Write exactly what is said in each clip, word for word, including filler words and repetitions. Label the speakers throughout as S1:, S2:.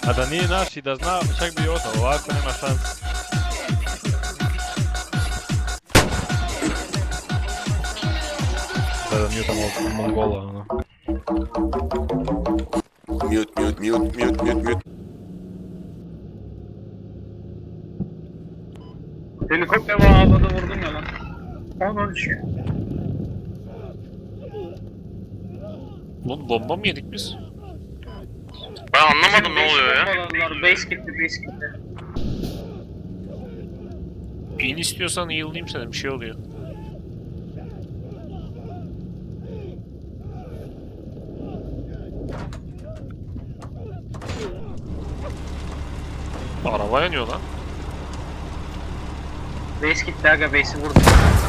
S1: A da nije naš I da zna, čak bi ostao, ovako nema šanse. Da nije tamo Mongola, ono.
S2: Mute, mute, mute, mute, mute, mute.
S3: Helikopter var havada vurdum ya lan. Ondan düşüyor.
S4: Oğlum bomba mı yedik biz?
S5: Ben anlamadım ne oluyor ya.
S3: Bombaladılar. Base gitti, base gitti.
S4: İn istiyorsan yıldayım sana, bir şey oluyor. Araba yanıyor lan.
S3: Base gitti aga, base'i vurdu.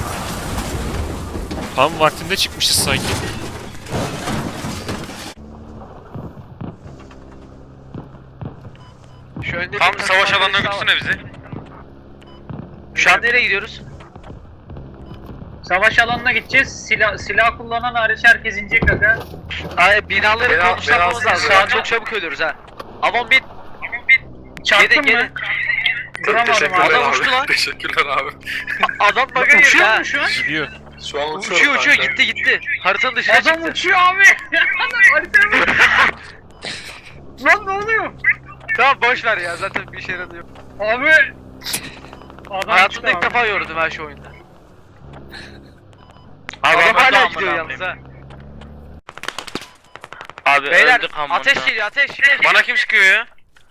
S4: Tam vaktinde çıkmışız sanki.
S5: Şu önde tam savaş alanına götürsene bizi. Şu an nereye gidiyoruz?
S3: Savaş alanına gideceğiz. Silah, silah kullanan hariç herkes inecek aga.
S5: Ay binaları
S2: Beyaz-
S5: konuşlamamız
S2: beyaz-
S5: lazım. Şu an çok çabuk ölüyoruz ha. Avon bin.
S3: Çarptın
S5: Gelin,
S3: mı?
S5: gelin.
S3: Duramadım
S2: Teşekkürler
S3: abi.
S5: Adam
S2: abi.
S5: uçtu lan.
S2: Teşekkürler abi.
S5: Adam baga girdi
S3: Uçuyor
S5: ha.
S3: mu şu an?
S4: Gidiyor.
S2: Şu an uçuyor.
S5: Uçuyor uçuyor
S2: kanka.
S5: gitti gitti. Haritanın dışına
S3: Adam
S5: çıktı.
S3: uçuyor abi. Haritaya bak. Lan ne oluyor?
S5: Tamam boş ver ya zaten bir işe yaramıyor.
S3: Abi. Adam
S5: Hayatımda ilk
S3: çıktı
S5: defa gördüm her şu oyunda.
S6: Abi
S5: Adam
S6: ben de
S5: hala
S6: amına
S5: gidiyor yalnız
S6: koyayım.
S5: ha.
S6: Abi
S5: Beyler
S6: öldük amına.
S5: ateş geliyor ateş.
S6: Bana kim sıkıyor ya?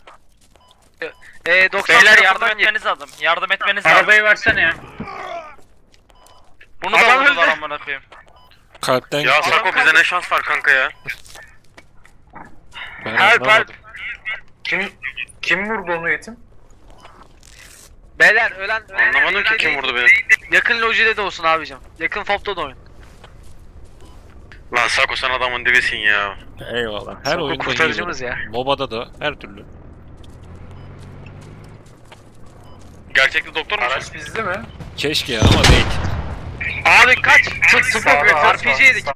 S5: Eee doksan
S6: Beyler yardım
S5: tarafından gel-
S6: etmeniz lazım. Yardım etmeniz lazım.
S3: Arabayı versene ya.
S6: Bunu da
S5: Adam
S6: vurdular
S5: öldü.
S6: amına koyayım.
S4: Kalpten
S6: Ya
S4: gitti.
S6: Sako bize ne şans var kanka ya.
S4: Ben
S6: Help,
S4: anlamadım.
S2: Kim kim vurdu onu Yetim?
S5: Beyler ölen ölen
S6: Anlamadım ki
S5: ölen
S6: kim
S5: değil.
S6: vurdu beni.
S5: Yakın lojide de olsun abicim. Yakın fopta da oyun.
S6: Lan Sako sen adamın dibisin ya.
S4: Eyvallah. Her
S5: Sako
S4: oyunda
S5: kurtarıcımız
S4: hile.
S5: ya.
S4: MOBA'da da her türlü.
S6: Gerçekte doktor musun?
S2: Araç bizde mi?
S4: Keşke ya ama değil.
S5: Abi kaç.
S2: Sağda,
S5: R P G yedik.